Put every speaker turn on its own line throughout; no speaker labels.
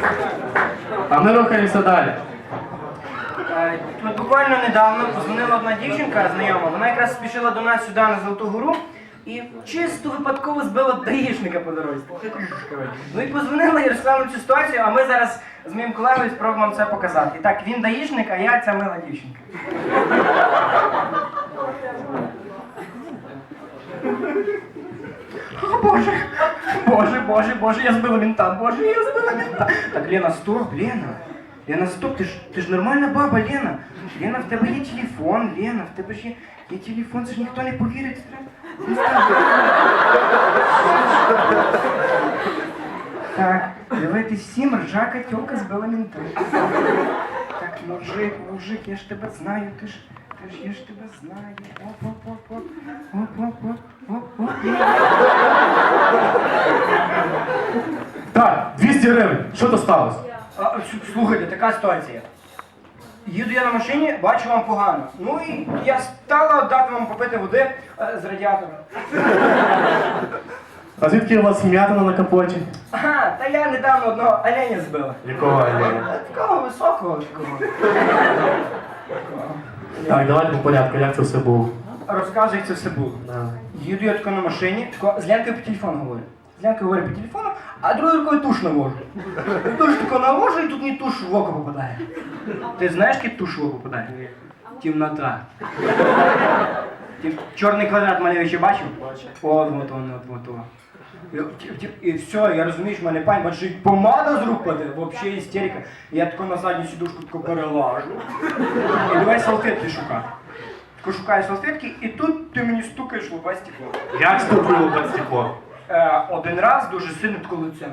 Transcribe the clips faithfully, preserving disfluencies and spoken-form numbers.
А ми рухаємося далі.
Е, Тут буквально недавно позвонила одна дівчинка знайома, вона якраз спішила до нас сюди на Золоту Гору і чисто випадково збила даїшника по дорозі. Ну і позвонила і розказала цю ситуацію, а ми зараз з моїм колегою спробуємо вам це показати. І так, він даїшник, а я ця мила дівчинка. О, Боже, Боже, Боже, Боже, я збила мента, Боже, я збила мента. Так, Лена, стоп, Лена. Лена, стоп, ти ж, ти ж нормальна баба, Лена. Лена, в тебе є телефон, Лена, в тебе ж є, є телефон, це ж ніхто не повірить. Так, дивитись всім, ржака тьолка збила мента. Так, мужик, мужик, я ж тебе знаю, ти ж, ти ж, я ж тебе знаю. Оп-оп-оп-оп, оп-оп-оп-оп-оп.
Так, двісті гривень. Що то сталося?
А, с- слухайте, така ситуація. Їду я на машині, бачу вам погано. Ну і я стала дати вам попити води е, з радіатора.
А звідки у вас м'ятина на капоті?
Ага, та я недавно одного оленя збила.
Якого Альона?
Такого високого такого.
Так, давайте по порядку, як це все було.
Розказуй, як це все було.
Да.
Їду я тако на машині, тако з Ленкою по телефону говорю. З Ленкою говорю по телефону, а другою рукою туш навожу. І туш тако навожу, і тут мені туш в око попадає. Ти знаєш, як туш в око попадає? Темнота. Ти чорний квадрат малюючи бачив?
Бачив.
От, от, от, от, от. І, і, і все, я розумію, що в мене пані, бачиш, і помада з рук падає, взагалі істерика. Я тако на задню сідушку тако перелажу. І давай салфетки шукати. Тако шукаю салфетки, і тут ти мені стукаєш в лобе стекло.
Як стукнуло під стекло?
Е, один раз дуже сильно тако лицем.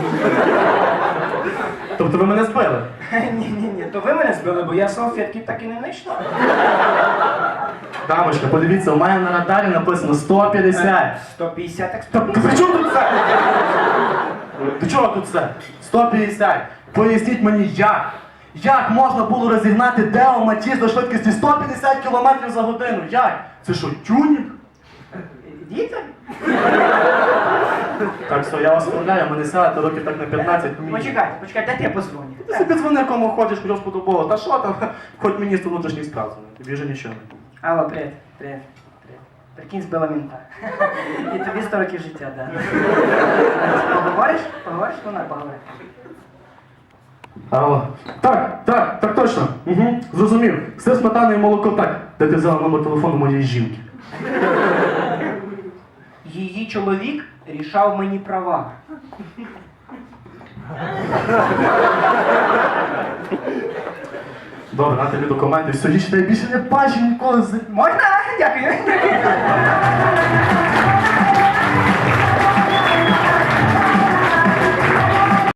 Тобто ви мене збили?
Ні-ні-ні, то ви мене збили, бо я салфетки так і не знайшла.
Дамочка, подивіться, у мене на радарі написано сто п'ятдесят.
сто п'ятдесят, так сто
Тобто при чому тут це? До чого тут це? сто п'ятдесят. Поясніть мені, як? Як можна було розігнати Део Матіс до швидкості сто п'ятдесят кілометрів за годину? Як? Це що, тюнінг?
Діти?
Так, все, я вас вправляю, мене сядете років так на п'ятнадцять.
Почекайте, почекайте, дайте я позвоню.
Ти собі дзвони, кому хочеш, хоч сподобало. Та що там, хоч міністр внутрішніх справ дзвони, тобі вже нічого не буде.
Алло, привіт, привіт, привіт. Прикинь, збила мента. І тобі сто років життя, да. Поговориш? Поговориш? Вона поговорить.
Алло. Так, так, так точно. Угу, зрозумів. Все сметана і молоко так. Де ти взяла номер телефону моєї жінки?
Її чоловік рішав мені права.
Добре, на тобі документи, все, їй ще більше не бачив ніколи. з-
Можна? Дякую.